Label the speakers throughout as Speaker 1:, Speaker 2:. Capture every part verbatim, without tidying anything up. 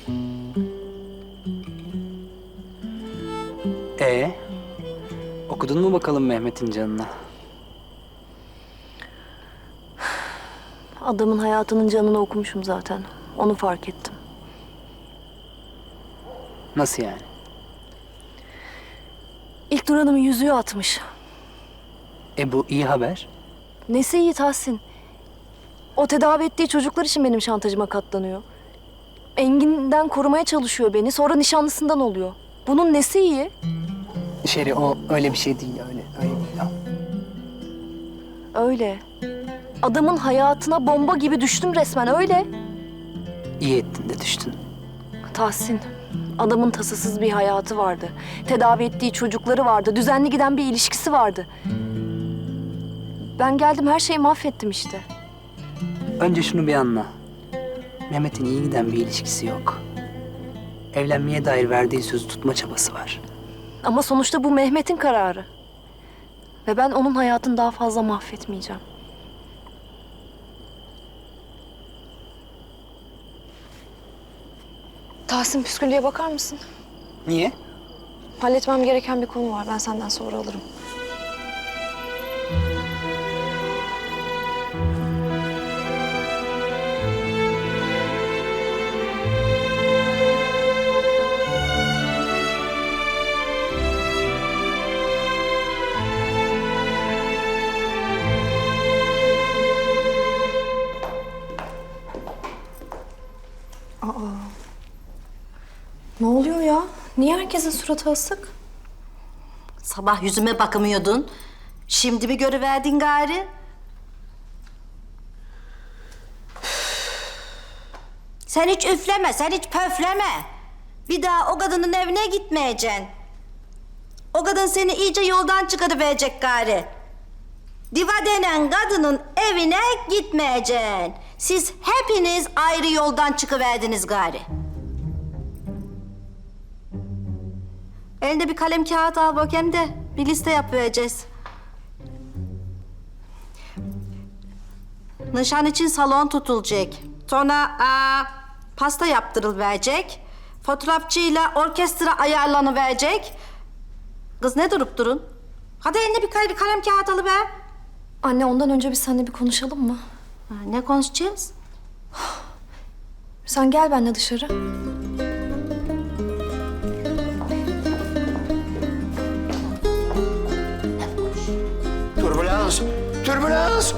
Speaker 1: Ee, okudun mu bakalım Mehmet'in canına?
Speaker 2: Adamın hayatının canını okumuşum zaten. Onu fark ettim.
Speaker 1: Nasıl yani?
Speaker 2: İlk Nur Hanım'ın yüzüğü atmış.
Speaker 1: E bu iyi haber.
Speaker 2: Nesi iyi Tahsin? O tedavi ettiği çocuklar için benim şantajıma katlanıyor. Engin'den korumaya çalışıyor beni. Sonra nişanlısından oluyor. Bunun nesi iyi?
Speaker 1: Şeri, o öyle bir şey değil, öyle. Öyle değil. Ya.
Speaker 2: Öyle. Adamın hayatına bomba gibi düştüm resmen, öyle.
Speaker 1: İyi ettin de düştün.
Speaker 2: Tahsin, adamın tasasız bir hayatı vardı. Tedavi ettiği çocukları vardı. Düzenli giden bir ilişkisi vardı. Ben geldim, her şeyi mahvettim işte.
Speaker 1: Önce şunu bir anla. Mehmet'in iyi giden bir ilişkisi yok. Evlenmeye dair verdiği sözü tutma çabası var.
Speaker 2: Ama sonuçta bu Mehmet'in kararı. Ve ben onun hayatını daha fazla mahvetmeyeceğim. Tahsin, püsküllüye bakar mısın?
Speaker 1: Niye?
Speaker 2: Halletmem gereken bir konu var. Ben senden sonra alırım. Ne oluyor ya? Niye herkesin suratı asık?
Speaker 3: Sabah yüzüme bakamıyordun. Şimdi mi görüverdin gari? Sen hiç üfleme, sen hiç pöfleme. Bir daha o kadının evine gitmeyeceksin. O kadın seni iyice yoldan çıkarıverecek gari. Diva denen kadının evine gitmeyeceksin. Siz hepiniz ayrı yoldan çıkıverdiniz gari. Elinde bir kalem kağıt al bakayım de bir liste yapıvereceğiz. Nişan için salon tutulacak. Sonra aa, pasta yaptırılıverecek. Fotoğrafçıyla orkestra ayarlanıverecek. Kız ne durup durun? Hadi eline bir, kal- bir kalem kağıt alıver.
Speaker 2: Anne, ondan önce biz seninle bir konuşalım mı?
Speaker 3: Ha, ne konuşacağız?
Speaker 2: Sen gel benimle dışarı.
Speaker 4: Türbülans! Türbülans!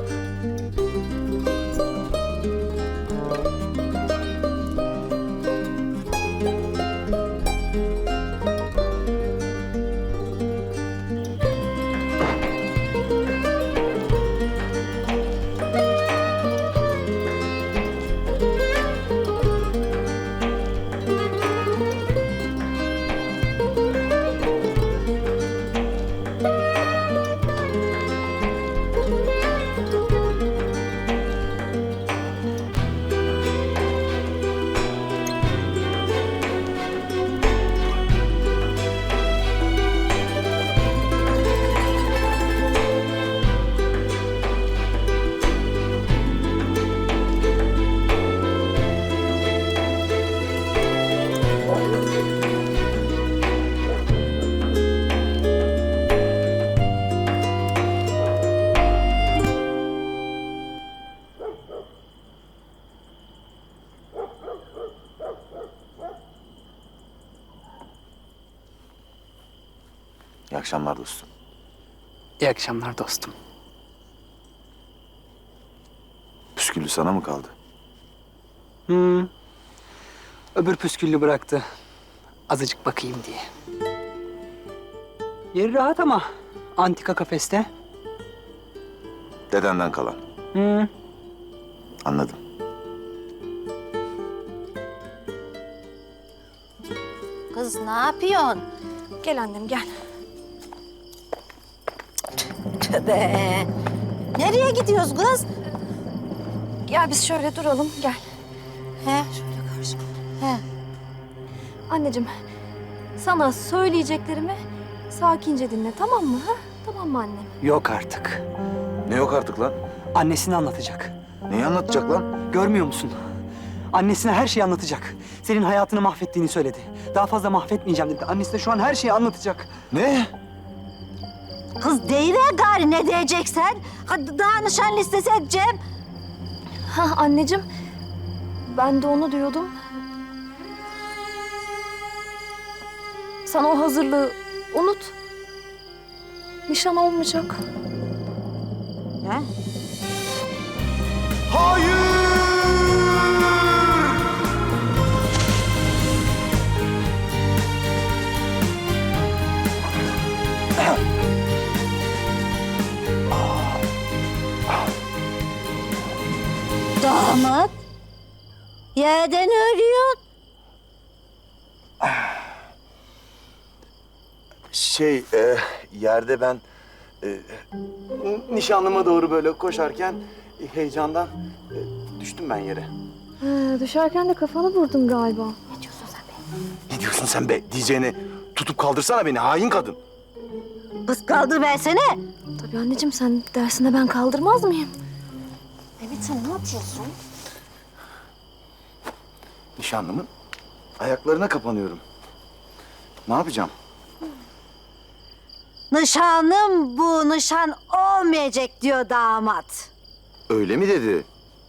Speaker 4: İyi akşamlar dostum.
Speaker 1: İyi akşamlar dostum.
Speaker 4: Püsküllü sana mı kaldı?
Speaker 1: Hmm. Öbür püsküllü bıraktı. Azıcık bakayım diye. Yeri rahat ama antika kafeste.
Speaker 4: Dedenden kalan.
Speaker 1: Hmm.
Speaker 4: Anladım.
Speaker 3: Kız ne yapıyorsun?
Speaker 2: Gel annem, gel.
Speaker 3: Tövbe. Nereye gidiyoruz kız?
Speaker 2: Gel biz şöyle duralım, gel.
Speaker 3: He, şöyle karşıma. He.
Speaker 2: Anneciğim, sana söyleyeceklerimi sakince dinle, tamam mı? Ha? Tamam mı annem?
Speaker 1: Yok artık.
Speaker 4: Ne yok artık lan?
Speaker 1: Annesini anlatacak.
Speaker 4: Neyi anlatacak lan?
Speaker 1: Görmüyor musun? Annesine her şeyi anlatacak. Senin hayatını mahvettiğini söyledi. Daha fazla mahvetmeyeceğim dedi. Annesine şu an her şeyi anlatacak.
Speaker 4: Ne?
Speaker 3: Kız deyiver gari ne diyeceksen. Hadi daha nişan listesi edeceğim.
Speaker 2: Ha anneciğim, ben de onu diyordum. Sen o hazırlığı unut. Nişan olmayacak.
Speaker 3: Ha?
Speaker 4: Hayır!
Speaker 3: Damat. Yerden ölüyor.
Speaker 4: Şey, e, yerde ben e, nişanlıma doğru böyle koşarken e, heyecandan e, düştüm ben yere.
Speaker 2: Ee, düşerken de kafanı vurdun galiba.
Speaker 4: Ne diyorsun sen be? Diyeceğini tutup kaldırsana beni hain kadın.
Speaker 3: Kız kaldır versene.
Speaker 2: Tabii anneciğim, sen dersinde ben kaldırmaz mıyım? Evet, sen ne yapıyorsun?
Speaker 4: Nişanlımın ayaklarına kapanıyorum. Ne yapacağım?
Speaker 3: Nişanım bu, nişan olmayacak diyor damat.
Speaker 4: Öyle mi dedi?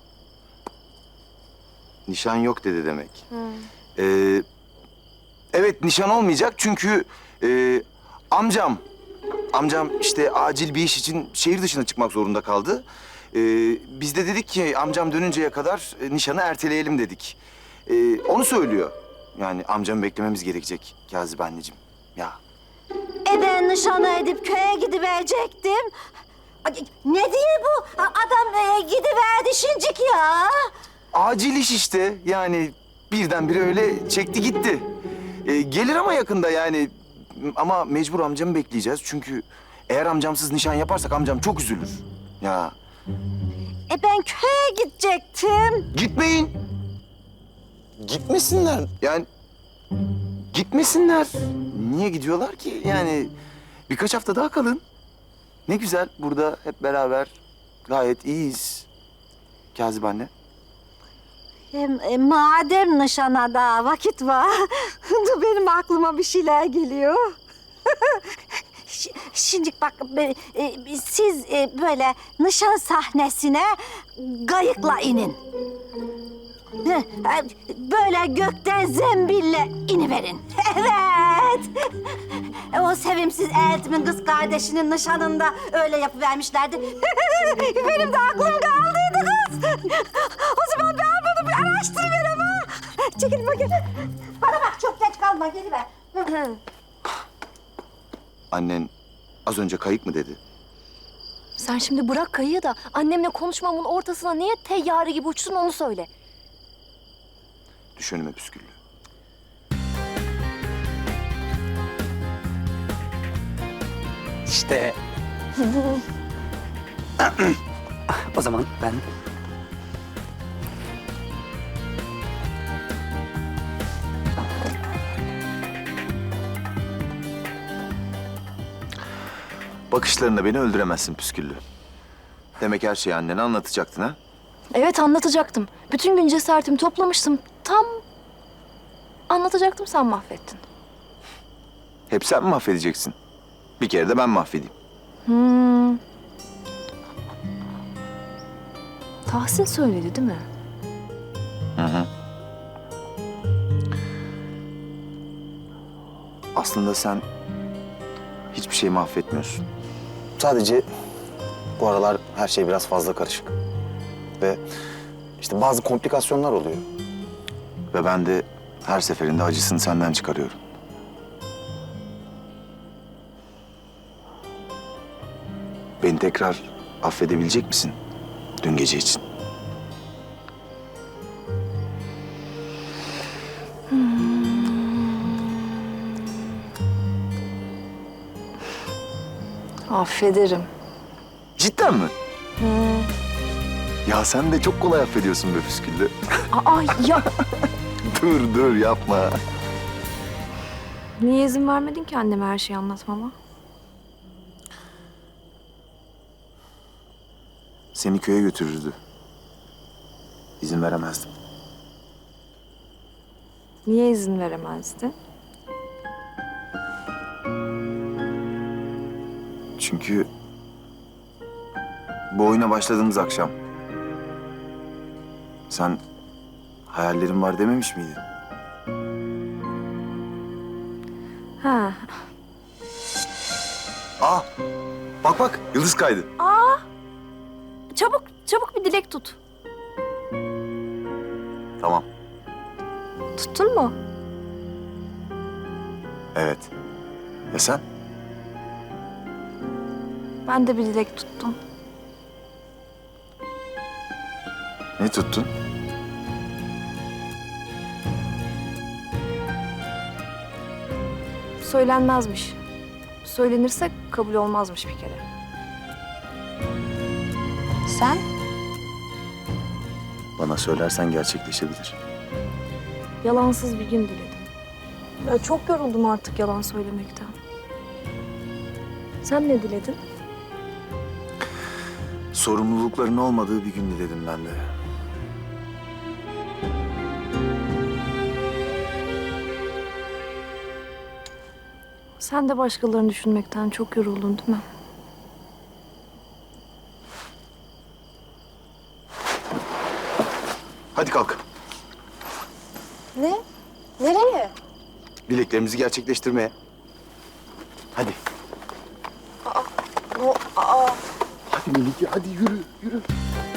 Speaker 4: Nişan yok dedi demek. Ee, evet nişan olmayacak çünkü e, amcam, amcam işte acil bir iş için şehir dışına çıkmak zorunda kaldı. Ee, biz de dedik ki amcam dönünceye kadar e, nişanı erteleyelim dedik. Ee, onu söylüyor. Yani amcamı beklememiz gerekecek Kazip anneciğim. Ya.
Speaker 3: E ben nişanı edip köye gidiverecektim. Ay, ne diye bu? A- Adam e, gidiverdi şincik ya.
Speaker 4: Acil iş işte. Yani birdenbire öyle çekti gitti. Ee, gelir ama yakında yani. Ama mecbur amcamı bekleyeceğiz. Çünkü eğer amcamsız nişan yaparsak amcam çok üzülür. Ya
Speaker 3: E ben köye gidecektim.
Speaker 4: gitmeyin. Gitmesinler. Yani gitmesinler. Niye gidiyorlar ki? Yani birkaç hafta daha kalın. Ne güzel burada hep beraber gayet iyiyiz. Kazip anne.
Speaker 3: Hem e, madem nişana daha vakit var, dur benim aklıma bir şeyler geliyor. Ş- Şimdi bak be- e, siz e, böyle nişan sahnesine gayıkla inin. Heh, e, Böyle gökten zembille iniverin. Evet. E, O sevimsiz eltimin kız kardeşinin nişanında öyle yapıvermişlerdi. Benim de aklım kaldıydı kız. O zaman ben bunu bir araştırıverem ha. Çekil bakayım. Bana bak çok geç kalma geliver.
Speaker 4: Annen az önce kayık mı dedi?
Speaker 2: Sen şimdi bırak kayığı da annemle konuşmamın ortasına niye teyyare gibi uçtun onu söyle.
Speaker 4: Düş önüme püsküllü.
Speaker 1: İşte. O zaman ben
Speaker 4: Bakışlarında beni öldüremezsin püsküllü. Demek her şeyi annene anlatacaktın ha?
Speaker 2: Evet, anlatacaktım. Bütün gün cesaretimi toplamıştım. Tam anlatacaktım, sen mahvettin.
Speaker 4: Hep sen mi mahvedeceksin? Bir kere de ben mahvedeyim.
Speaker 2: Hmm. Tahsin söyledi değil mi?
Speaker 4: Hı hı. Aslında sen hiçbir şeyi mahvetmiyorsun. Sadece bu aralar her şey biraz fazla karışık. Ve işte bazı komplikasyonlar oluyor. Ve ben de her seferinde acısını senden çıkarıyorum. Beni tekrar affedebilecek misin dün gece için?
Speaker 2: Affederim.
Speaker 4: Cidden mi? Ya sen de çok kolay affediyorsun be püsküllü.
Speaker 2: Aa ya,
Speaker 4: Dur dur yapma.
Speaker 2: niye izin vermedin ki anneme her şeyi anlatmama?
Speaker 4: Seni köye götürürdü. İzin veremezdim.
Speaker 2: Niye izin veremezdi?
Speaker 4: Çünkü bu oyuna başladığımız akşam sen hayallerin var dememiş miydin?
Speaker 2: Ha.
Speaker 4: Aa, bak bak yıldız kaydı.
Speaker 2: Çabuk, çabuk bir dilek tut.
Speaker 4: Tamam,
Speaker 2: Tuttun mu?
Speaker 4: evet. Ya sen?
Speaker 2: Ben de bir dilek tuttum.
Speaker 4: Ne tuttun?
Speaker 2: Söylenmezmiş. Söylenirse kabul olmazmış bir kere.
Speaker 3: Sen?
Speaker 4: Bana söylersen gerçekleşebilir.
Speaker 2: Yalansız bir gün diledim. Ya çok yoruldum artık yalan söylemekten. Sen ne diledin?
Speaker 4: Sorumlulukların olmadığı bir gün diledim ben de.
Speaker 2: Sen de başkalarını düşünmekten çok yoruldun değil mi?
Speaker 4: Hadi kalk.
Speaker 2: Ne? Nereye?
Speaker 4: Dileklerimizi gerçekleştirmeye. Hadi.
Speaker 2: O, aa.
Speaker 4: Hadi Melike, hadi yürü, yürü.